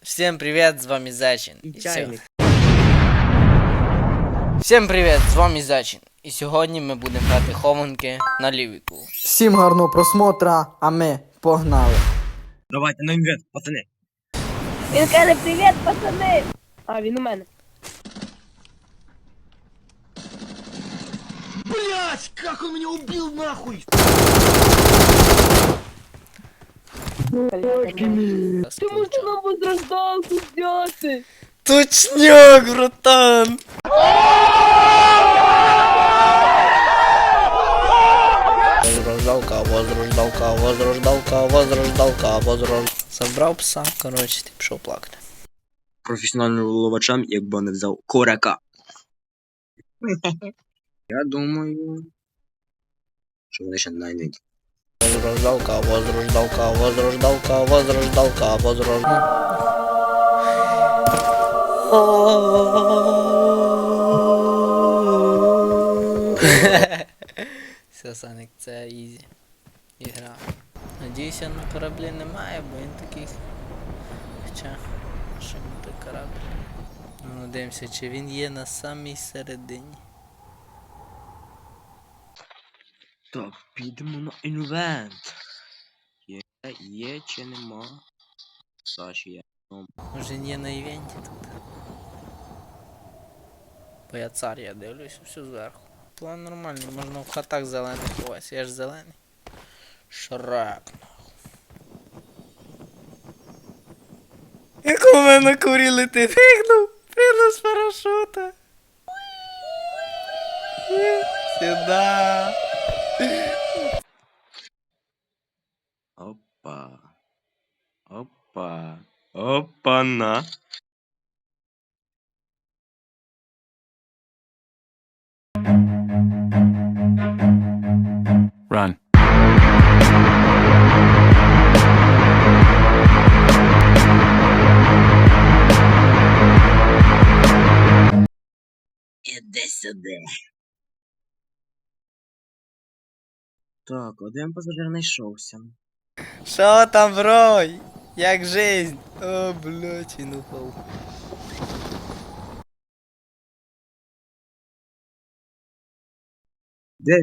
Всем привет, з вами Зачин. Чайник. Всем привет, з вами Зачин. І сьогодні ми будемо грати хованки на лівіку. Всім гарного просмотра, а ми погнали. Давайте на інвент, пацани. Він каже, привіт, пацани! А, він у мене. Блять, как он меня убил нахуй! Ти можеш нам возрождалку взяти? Точняк, братан! Возрождалка. Забрав пса, коротше, ти пішов плакати. Професіональним ловачам, якби не взяв корака. Я думаю, що вони ще знайдуть. Возрождалка. Все, Саник, це ізі. Ігра. Надіюся, на кораблі немає, бо він такий. Хоча, що той корабль. Ну, дивимося, чи він є на самій середині. Так, підемо на інвент. Є чи нема? Саші є. Може він є на івенті тут. Бо я цар, я дивлюсь все зверху. План нормальний, можна в хатах зелених ховатися, я ж зелений. Шрек. Як у мене на курі летить. Пригнув з парашута. Сюда. Опа. Опа-на. Run. Іди сюди. Так, один пасажир знайшовся. Шо там, бро? Як жизнь? О, блядь, він упав. Де?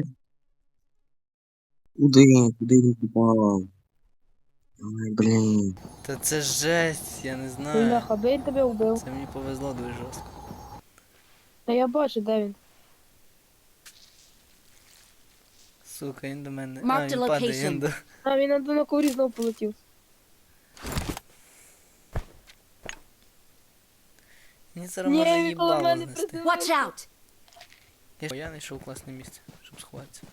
Куди він попав? Ой, блін. Та це жесть, я не знаю. Бляха, би він тебе вбив. Це мені повезло дуже жорстко. Та я бачу, де він. Сука, він до мене. А, Mark він the падає, location. він до... А, він на курі знов полетів. Мені зараз Ні, може він коло їбало мене знести. приземлився. Watch out! Я знайшов класне місце, щоб сховатися.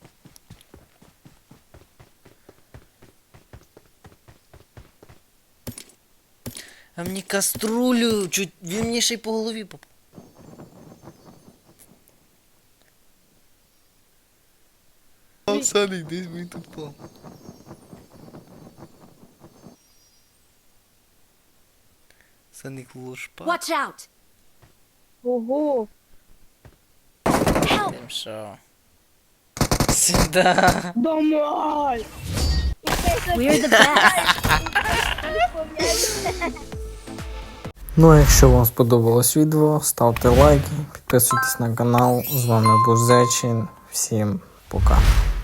А мені каструлю, чуть він мені ще й по голові попав. Саник, десь він тут впав. Саник лушпа. Watch out! Ого. Help! Тим що? Сюда. Домой! We're the best! Ну а якщо вам сподобалось відео, ставте лайки, підписуйтесь на канал. З вами був Зачин. Всім пока.